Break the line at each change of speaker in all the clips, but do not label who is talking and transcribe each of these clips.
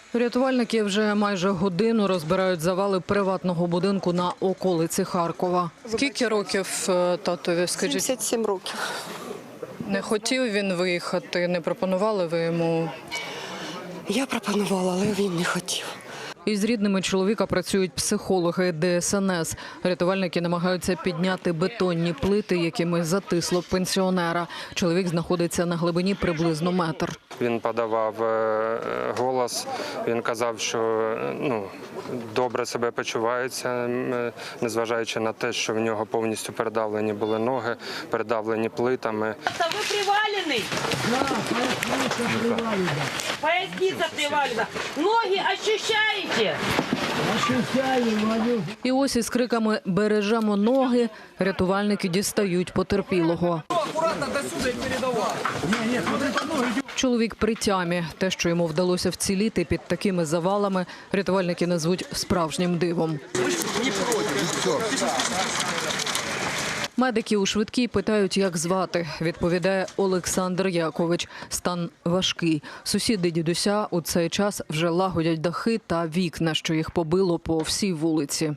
Рятувальники вже майже годину розбирають завали приватного будинку на околиці Харкова. Скільки років татові, скажіть?
77 років.
Не хотів він виїхати, не пропонували ви йому?
Я пропонувала, але він не хотів.
Із рідними чоловіка працюють психологи ДСНС. Рятувальники намагаються підняти бетонні плити, якими затисло пенсіонера. Чоловік знаходиться на глибині приблизно метр.
Він подавав голос, він казав, що добре себе почувається, незважаючи на те, що в нього повністю передавлені були ноги, передавлені плитами.
Та ви привалений? Поясниця привалена. Ноги ощущаєте?
І ось із криками «Бережемо ноги» рятувальники дістають потерпілого. Чоловік при тямі. Те, що йому вдалося вціліти під такими завалами, рятувальники назвуть справжнім дивом. Медики у швидкій питають, як звати. Відповідає Олександр Якович. Стан важкий. Сусіди дідуся у цей час вже лагодять дахи та вікна, що їх побило по всій вулиці.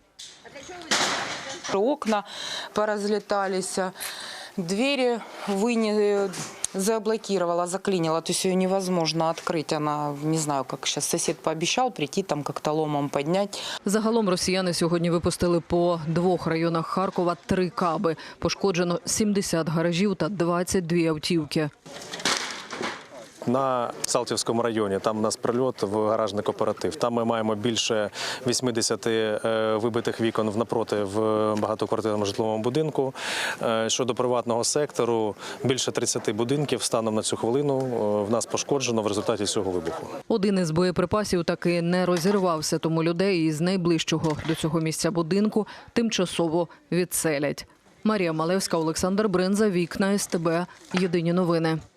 Окна поразлеталися, двері заблокировала, заклинила, то есть ее невозможно открыть. Она, не знаю, как сейчас сосед пообещал прийти, там как-то ломом поднять.
Загалом росіяни сьогодні випустили по 2 районах Харкова 3 каби. Пошкоджено 70 гаражів та 22 автівки.
На Салтівському районі, там у нас прильот в гаражний кооператив. Там ми маємо більше 80 вибитих вікон навпроти в багатоквартирному житловому будинку. Щодо приватного сектору, більше 30 будинків станом на цю хвилину в нас пошкоджено в результаті цього вибуху.
Один із боєприпасів таки не розірвався, тому людей із найближчого до цього місця будинку тимчасово відселять. Марія Малевська, Олександр Бринза, Вікна СТБ. Єдині новини.